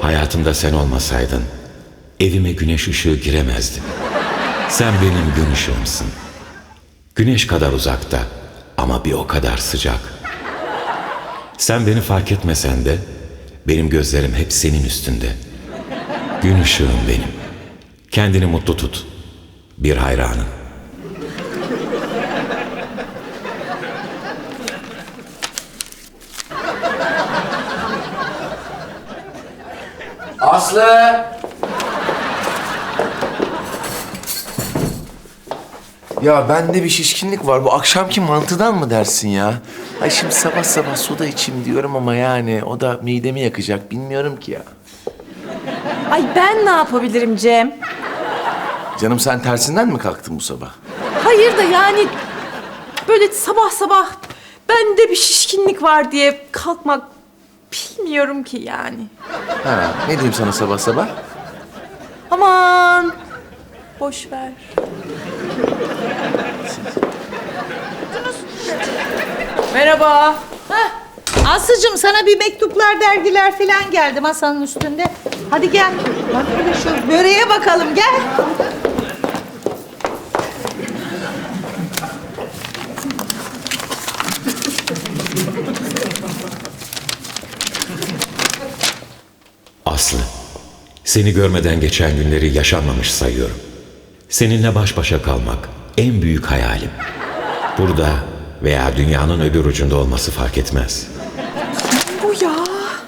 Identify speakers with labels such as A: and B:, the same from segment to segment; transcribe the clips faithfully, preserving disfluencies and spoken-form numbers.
A: Hayatımda sen olmasaydın evime güneş ışığı giremezdi. Sen benim gün ışığımsın. Güneş kadar uzakta ama bir o kadar sıcak. Sen beni fark etmesen de benim gözlerim hep senin üstünde. Gün ışığım benim. Kendini mutlu tut. Bir hayranın.
B: Aslı! Ya bende bir şişkinlik var. Bu akşamki mantıdan mı dersin ya? Ay şimdi sabah sabah soda içeyim diyorum ama yani o da midemi yakacak. Bilmiyorum ki ya.
C: Ay ben ne yapabilirim Cem?
B: Canım sen tersinden mi kalktın bu sabah?
C: Hayır da yani böyle sabah sabah bende bir şişkinlik var diye kalkmak bilmiyorum ki yani.
B: Ha, ne diyeyim sana sabah sabah?
C: Aman boş ver. Merhaba.
D: Heh. Aslıcığım sana bir mektuplar, dergiler falan geldi masanın üstünde. Hadi gel. Bak bir de şu böreğe bakalım gel.
A: Aslı, seni görmeden geçen günleri yaşanmamış sayıyorum. Seninle baş başa kalmak en büyük hayalim. Burada veya dünyanın öbür ucunda olması fark etmez.
C: Bu ya.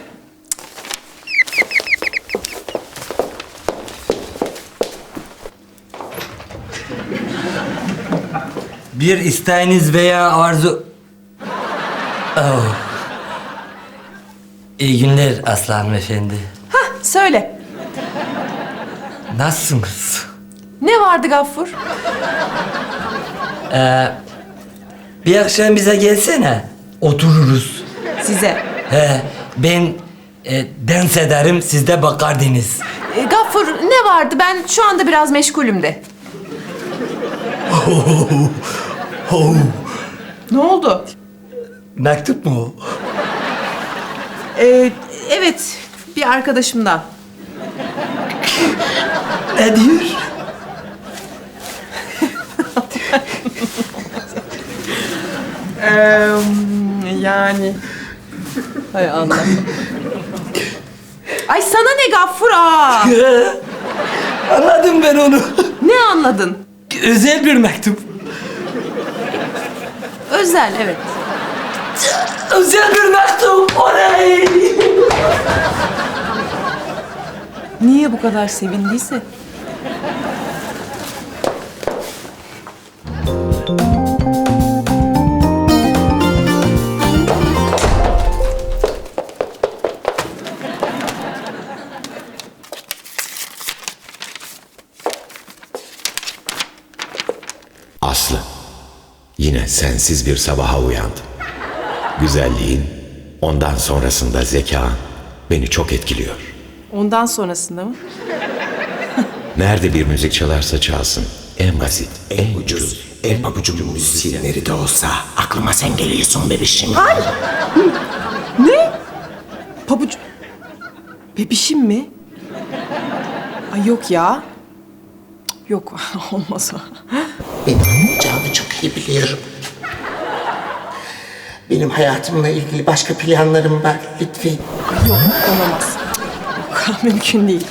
E: Bir isteğiniz veya arzu... Oh. İyi günler Aslı hanımefendi.
C: Hah söyle.
E: Nasılsınız?
C: Ne vardı Gaffur?
E: Ee, bir akşam bize gelsene. Otururuz.
C: Size.
E: He, ben e, dans ederim, siz de bakardınız.
C: E, Gaffur ne vardı? Ben şu anda biraz meşgulüm de.
E: Oh.
C: Ne oldu?
E: Mektup mu o?
C: Ee, evet, bir arkadaşımdan.
E: Ne diyor?
C: Ee, yani... Hay Allah. Ay sana ne Gaffur aa?
E: Anladım ben onu.
C: Ne anladın?
E: Özel bir mektup.
C: Özel, evet.
E: Özel bir mektup. Oley!
C: Niye bu kadar sevindiyse?
A: Aslı, yine sensiz bir sabaha uyandım. Güzelliğin, ondan sonrasında zekan beni çok etkiliyor.
C: Ondan sonrasında mı?
A: Nerede bir müzik çalarsa çalsın, en basit, en ucuz,
F: En pabucun müzisyenleri de olsa aklıma sen geliyorsun bebişim.
C: Ne? Pabuç... Bebişim mi? Ay yok ya. Cık, yok, olmaz o.
F: Benim anlayacağımı çok iyi biliyorum. Benim hayatımla ilgili başka planlarım var lütfen.
C: Yok, olamaz. Cık, Yok, mümkün değil.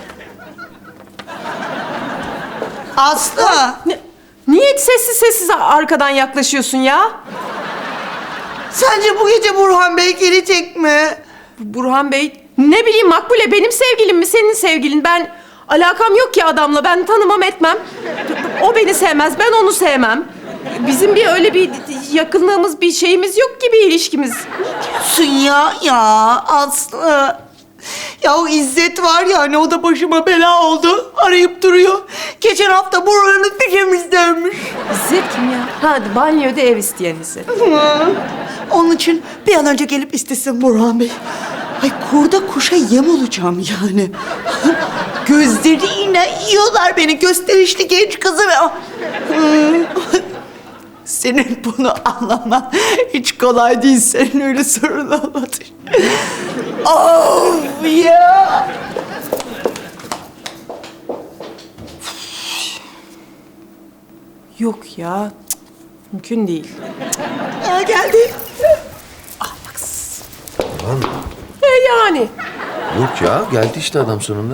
D: Aslı.
C: Ne? Niye sessiz sessiz arkadan yaklaşıyorsun ya?
D: Sence bu gece Burhan Bey gelecek mi?
C: Burhan Bey, ne bileyim Makbule benim sevgilim mi senin sevgilin? Ben alakam yok ki adamla, ben tanımam etmem. O beni sevmez, ben onu sevmem. Bizim bir öyle bir yakınlığımız, bir şeyimiz yok ki, bir ilişkimiz.
D: Sun ya ya Aslı. Ya o İzzet var ya hani o da başıma bela oldu. Arayıp duruyor. Geçen hafta Burhan'ı bir temizlenmiş.
C: İzzet kim ya? Ha, banyoda ev isteyen İzzet.
D: Onun için bir an önce gelip istesin Burhan Bey. Ay kurda kuşa yem olacağım yani. Gözleriyle yiyorlar beni gösterişli genç kızı ve... Senin bunu anlaman hiç kolay değil. Senin öyle sorun olmadı. Of ya!
C: Yok ya. Cık, mümkün değil.
D: Ya geldi.
C: E yani.
B: Yok ya geldi işte adam sonunda.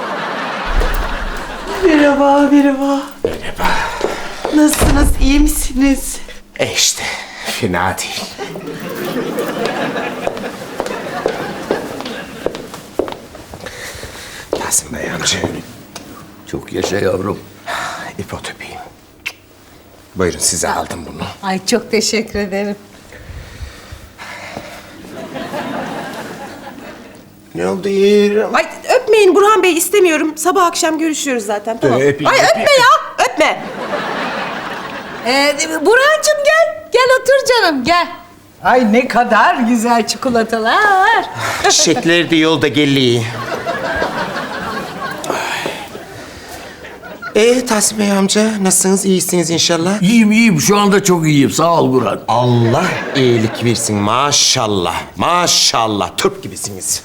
D: Merhaba, merhaba. Merhaba. Nasılsınız, iyi misiniz?
F: E işte fena değil. Tahsin Bey amca.
G: Çok yaşa yavrum.
F: İpotöpeyim. Buyurun size aldım bunu.
H: Ay çok teşekkür ederim.
F: Ne oldu yeğenim?
C: Ay öpmeyin Burhan Bey istemiyorum. Sabah akşam görüşüyoruz zaten tamam.
F: Öpeyim,
C: Ay
F: öpeyim.
C: öpme ya öpme.
H: Ee, Burhan'cığım gel. Gel otur canım gel. Ay ne kadar güzel çikolatalar.
F: Çiçekler de yolda geliyor. Ee Tahsin Bey amca nasılsınız? İyisiniz inşallah.
G: İyiyim iyiyim şu anda çok iyiyim sağ ol Burhan.
F: Allah iyilik versin maşallah. Maşallah Türk gibisiniz.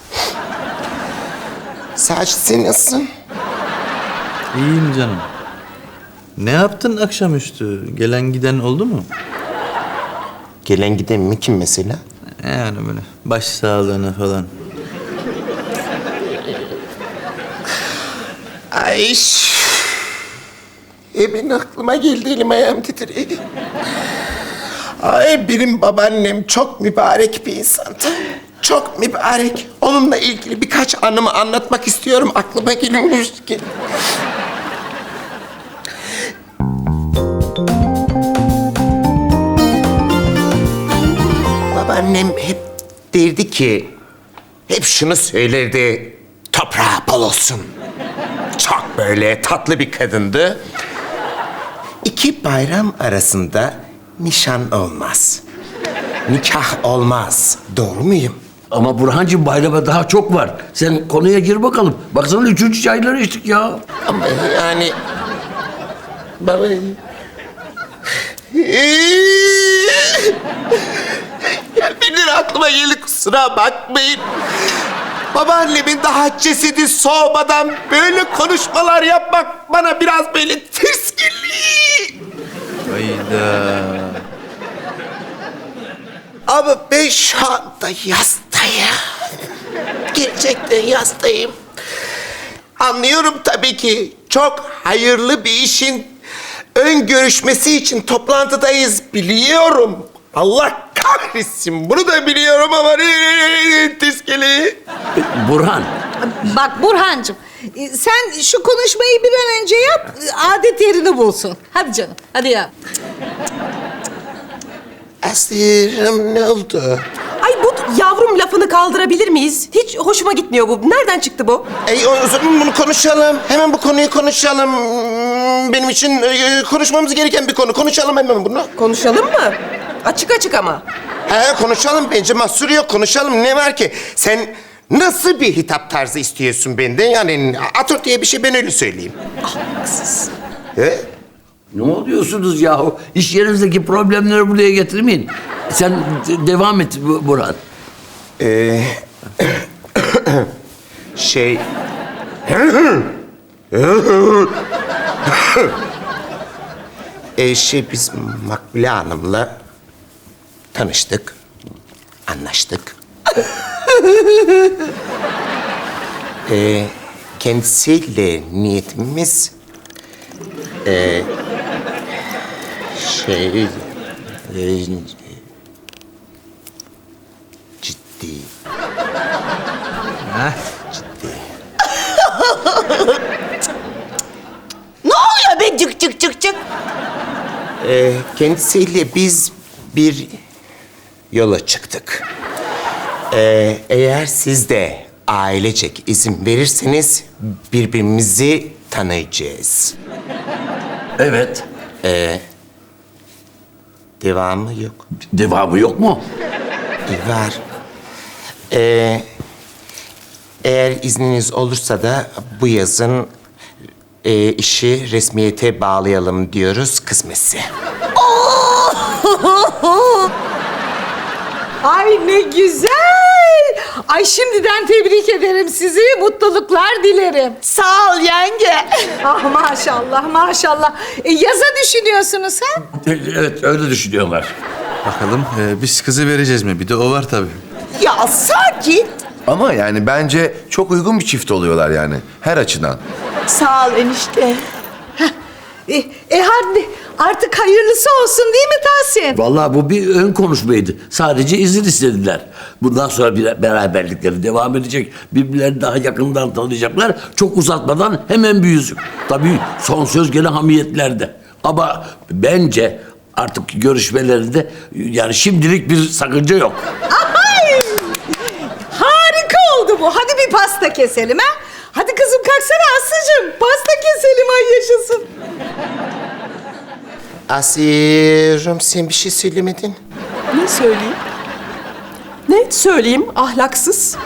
F: Sacit sen nasılsın?
I: İyiyim canım. Ne yaptın akşamüstü? Gelen giden oldu mu?
F: Gelen giden mi kim mesela?
I: Yani böyle baş sağlığına falan.
F: Ay. E benim aklıma geldi elim ayağım titredi. Ay benim babaannem çok mübarek bir insandı. Çok mübarek. Onunla ilgili birkaç anımı anlatmak istiyorum. Aklıma gelmiş ki. Babaannem hep derdi ki, hep şunu söylerdi. Toprağı bol olsun. Çok böyle tatlı bir kadındı. İki bayram arasında nişan olmaz. Nikah olmaz. Doğru muyum?
G: Ama Burhancığım bayrama daha çok var. Sen konuya gir bakalım. Baksana üçüncü çayları içtik ya.
F: Ama yani... Baba... Benim aklıma geldi kusura bakmayın. Babaannemin daha cesedi soğumadan böyle konuşmalar yapmak bana biraz böyle ters geliyor.
I: Hayda.
F: Ama ben şu anda yastayım. Gerçekten yastayım. Anlıyorum tabii ki. Çok hayırlı bir işin ön görüşmesi için toplantıdayız biliyorum. Allah kahretsin bunu da biliyorum ama tiskeli.
G: Burhan.
H: Bak Burhan'cığım e, sen şu konuşmayı bir an önce yap. e, Adet yerini bulsun. Hadi canım hadi yap.
F: Aslı'm ne oldu?
C: Ay bu yavrum lafını kaldırabilir miyiz? Hiç hoşuma gitmiyor bu. Nereden çıktı bu?
F: Ey o zaman bunu konuşalım. Hemen bu konuyu konuşalım. Benim için e, konuşmamız gereken bir konu. Konuşalım hemen bunu.
C: Konuşalım mı? Açık açık ama.
F: He konuşalım bence mahsur yok konuşalım ne var ki? Sen nasıl bir hitap tarzı istiyorsun benden? Yani atör diye bir şey ben öyle söyleyeyim.
C: Haksız.
F: He?
G: Ne oluyorsunuz yahu? İş yerinizdeki problemleri buraya getirmeyin. Sen de- devam et Bu- Burhan.
F: Ee, şey... ee, şey biz Makbule Hanım'la tanıştık, anlaştık. ee, kendisiyle niyetimiz... ee, şey... ee, ciddi.
D: Ne oluyor be cık cık cık cık?
F: Ee, kendisiyle biz bir yola çıktık. Ee, eğer siz de ailecek izin verirseniz birbirimizi tanıyacağız.
G: Evet.
F: Devamı yok.
G: Devamı yok mu?
F: Var. Ee, eğer izniniz olursa da bu yazın e, işi resmiyete bağlayalım diyoruz kısmetse.
H: Ay ne güzel. Ay şimdiden tebrik ederim sizi. Mutluluklar dilerim.
D: Sağ ol yenge.
H: Ah maşallah maşallah. E, yaza düşünüyorsunuz ha?
G: Evet öyle düşünüyorlar.
I: Bakalım e, biz kızı vereceğiz mi? Bir de o var tabii.
D: Ya sakin.
B: Ama yani bence çok uygun bir çift oluyorlar yani her açıdan.
D: Sağ ol enişte.
H: E, e hadi artık hayırlısı olsun değil mi Tahsin?
G: Vallahi bu bir ön konuşmaydı. Sadece izin istediler. Bundan sonra bir beraberlikleri devam edecek. Birbirlerini daha yakından tanıyacaklar. Çok uzatmadan hemen bir yüzük. Tabii son söz gene hamiyetlerde. Ama bence artık görüşmelerinde yani şimdilik bir sakınca yok.
H: Ay! Harika oldu bu. Hadi bir pasta keselim ha. Hadi kızım kalksana Aslı'cığım. Pasta keselim ay yaşasın.
F: Asiye'cim sen bir şey söylemedin.
C: Ne söyleyeyim? Ne söyleyeyim ahlaksız?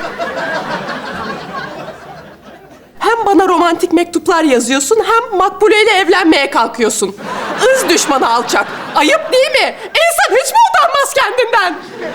C: Hem bana romantik mektuplar yazıyorsun hem Makbule ile evlenmeye kalkıyorsun. Irz düşmanı alçak. Ayıp değil mi? İnsan hiç mi utanmaz kendinden?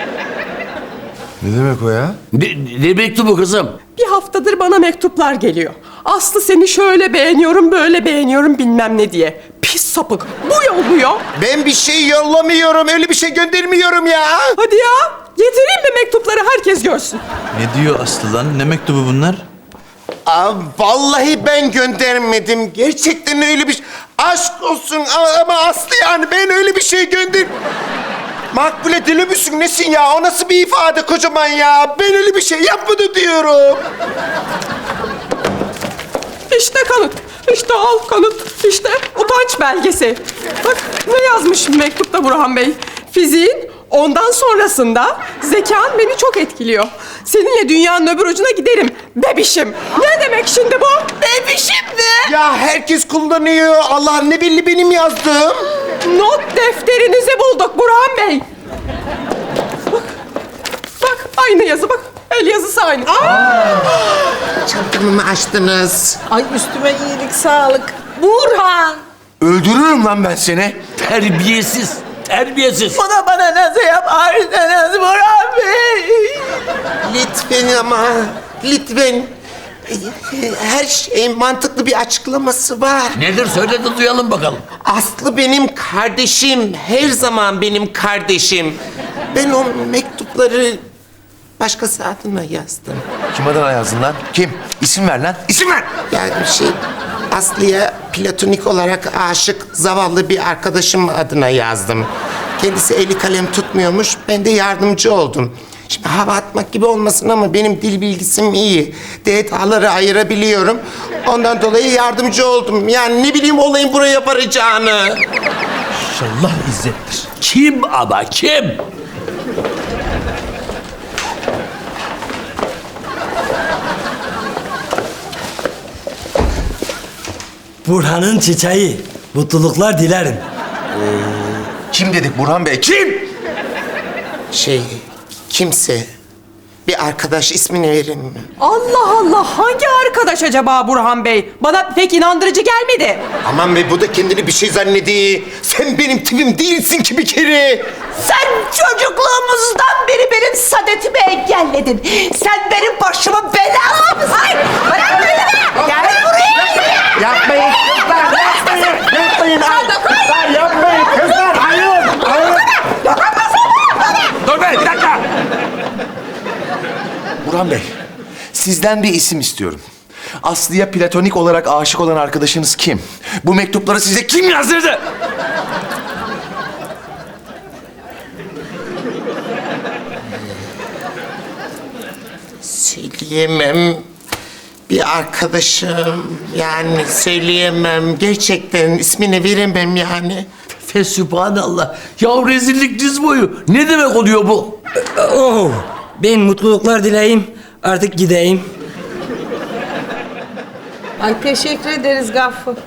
B: Ne demek o ya?
G: Ne, ne mektubu kızım?
C: Bir haftadır bana mektuplar geliyor. Aslı seni şöyle beğeniyorum, böyle beğeniyorum bilmem ne diye. Pis sapık. Bu yolluyor.
F: Ben bir şey yollamıyorum, öyle bir şey göndermiyorum ya.
C: Hadi ya. Getireyim mi mektupları herkes görsün.
I: Ne diyor Aslı lan? Ne mektubu bunlar?
F: Aa, vallahi ben göndermedim. Gerçekten öyle bir şey. Aşk olsun ama, ama Aslı yani ben öyle bir şey gönder... Makbule deli misin nesin ya? O nasıl bir ifade kocaman ya? Ben öyle bir şey yapmadım diyorum.
C: İşte kanıt. İşte al kanıt. İşte utanç belgesi. Bak ne yazmış mektupta Burhan Bey. Fiziğin ondan sonrasında zekan beni çok etkiliyor. Seninle dünyanın öbür ucuna giderim. Bebişim. Ne demek şimdi bu? Bebişim mi?
F: Ya herkes kullanıyor. Allah ne belli benim yazdığım.
C: Not defterinizi bulduk Burhan Bey. Bak. Bak aynı yazı bak. El yazısı aynı.
F: Çantamı mı açtınız?
H: Ay üstüme iyilik sağlık. Burhan.
B: Öldürürüm lan ben seni.
G: Terbiyesiz. Terbiyesiz.
D: Bana bana nasıl yaparsınız Burhan Bey?
F: Lütfen ama, lütfen. Her şeyin mantıklı bir açıklaması var.
G: Nedir söyle de duyalım bakalım.
F: Aslı benim kardeşim, her zaman benim kardeşim. Ben o mektupları başkası adına yazdım.
B: Kim adına yazdın lan? Kim? İsim ver lan. İsim ver.
F: Yani şey, Aslı'ya platonik olarak aşık zavallı bir arkadaşım adına yazdım. Kendisi eli kalem tutmuyormuş, ben de yardımcı oldum. Şimdi hava atmak gibi olmasın ama benim dil bilgisim iyi. Detaları ayırabiliyorum. Ondan dolayı yardımcı oldum. Yani ne bileyim olayın buraya varacağını.
I: İnşallah İzzet'tir.
G: Kim ama kim?
E: Burhan'ın çiçeği. Mutluluklar dilerim.
B: Kim dedik Burhan Bey? Kim?
F: Şey, kimse. Bir arkadaş ismini verin mi?
C: Allah Allah hangi arkadaş acaba Burhan Bey? Bana pek inandırıcı gelmedi.
F: Aman be bu da kendini bir şey zannediyor. Sen benim tipim değilsin ki bir kere.
D: Sen çocukluğumuzdan beri benim saadetimi engelledin. Sen benim başıma bela mısın? Ay, bırak beni! Gel buraya!
F: Yapmayın kızlar, yapmayın, yapmayın. Kızlar yapmayın, kızlar, hayır, hayır.
B: Dur be bir dakika. Burhan Bey, sizden bir isim istiyorum. Aslı'ya platonik olarak aşık olan arkadaşınız kim? Bu mektupları size kim yazdırdı?
F: Söyleyemem. Bir arkadaşım, yani söyleyemem. Gerçekten ismini veremem yani.
G: Fesübhanallah. Ya rezillik diz boyu. Ne demek oluyor bu?
E: Oh, ben mutluluklar dileyim. Artık gideyim.
H: Ay teşekkür ederiz Gaffur.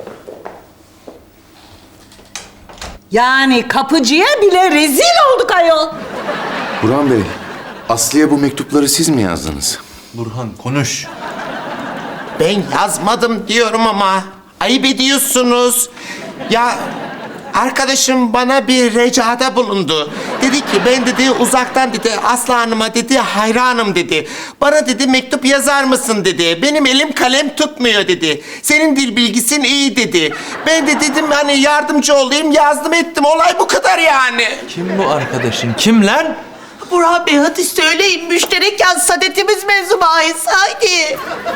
H: Yani kapıcıya bile rezil olduk ayol.
B: Burhan Bey, Aslı'ya bu mektupları siz mi yazdınız?
I: Burhan konuş.
F: Ben yazmadım diyorum ama ayıp ediyorsunuz. Ya arkadaşım bana bir ricada bulundu. Dedi ki ben dedi uzaktan dedi Aslı Hanım'a dedi hayranım dedi. Bana dedi mektup yazar mısın dedi. Benim elim kalem tutmuyor dedi. Senin dil bilgisin iyi dedi. Ben de dedim hani yardımcı olayım yazdım ettim. Olay bu kadar yani.
I: Kim bu arkadaşın? Kim lan?
D: Burhan Bey hadi söyleyin. Müşterek yaz sadetimiz mevzu bahis. Haydi.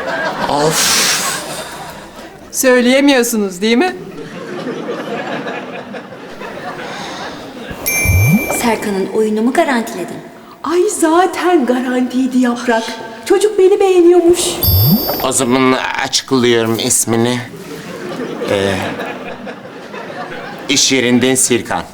C: Söyleyemiyorsunuz değil mi?
J: Serkan'ın oyunumu garantiledim.
C: Ay zaten garantiydi Yaprak. Çocuk beni beğeniyormuş.
F: O zaman açıklıyorum ismini. Ee, iş yerinden Sirkan.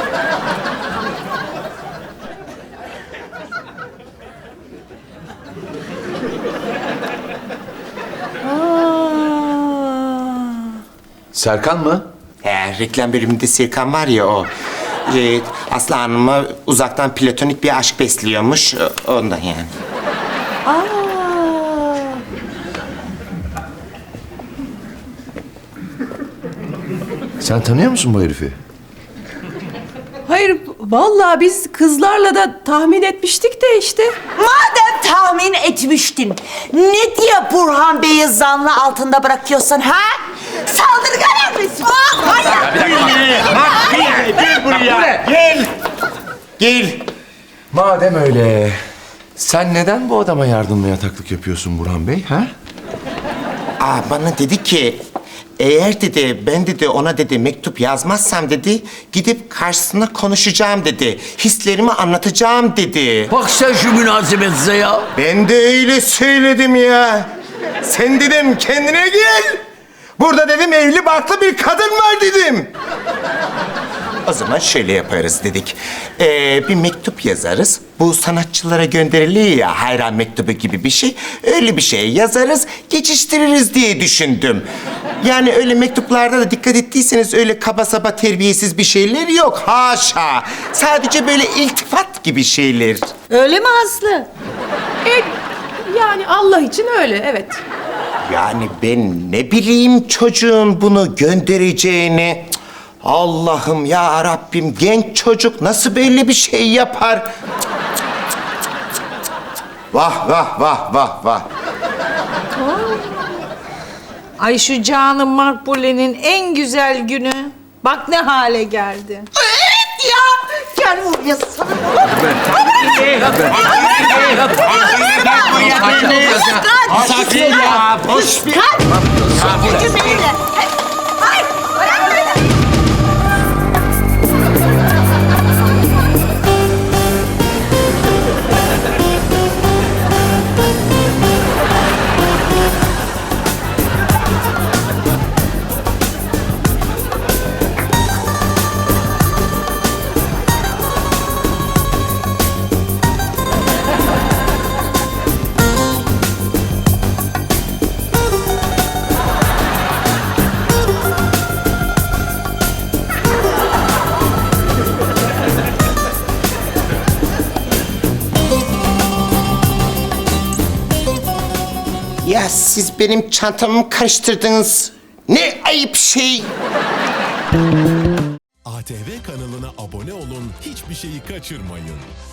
B: Serkan mı?
F: He, reklam bölümünde Sirkan var ya o. Ee, Aslı Hanım'a uzaktan platonik bir aşk besliyormuş. o- Ondan yani.
B: Sen tanıyor musun bu herifi?
C: Hayır, vallahi biz kızlarla da tahmin etmiştik de işte.
D: Madem tahmin etmiştin, ne diye Burhan Bey'i zanlı altında bırakıyorsun ha? Saldırgan emrisi.
F: Gel. Gel.
B: Madem öyle, sen neden bu adama yardımla yataklık yapıyorsun Burhan Bey, ha?
F: Aa, bana dedi ki eğer dedi ben dedi ona dedi mektup yazmazsam dedi gidip karşısına konuşacağım dedi. Hislerimi anlatacağım dedi.
G: Bak sen şu münasebetize ya.
F: Ben de öyle söyledim ya. Sen dedim kendine gel. Burada dedim evli barklı bir kadın var dedim. O zaman şöyle yaparız dedik. Ee, bir mektup yazarız. Bu sanatçılara gönderiliyor ya hayran mektubu gibi bir şey. Öyle bir şey yazarız, geçiştiririz diye düşündüm. Yani öyle mektuplarda da dikkat ettiyseniz öyle kaba saba terbiyesiz bir şeyler yok. Haşa. Sadece böyle iltifat gibi şeyler.
H: Öyle mi Aslı?
C: E, yani Allah için öyle, evet.
F: Yani ben ne bileyim çocuğun bunu göndereceğini. Cık, Allah'ım ya Rabbim genç çocuk nasıl böyle bir şey yapar? Cık, cık, cık, cık, cık. Vah vah vah vah vah.
H: Ay şu canım Makbule'nin en güzel günü. Bak ne hale geldi.
D: Evet ya. Gel buraya sana.
F: Sakin ya. Boş bir...
D: Cümleyle. Ay, bırak beni.
F: Ya siz benim çantamı karıştırdınız. Ne ayıp şey.
K: A T V kanalına abone olun, hiçbir şeyi kaçırmayın.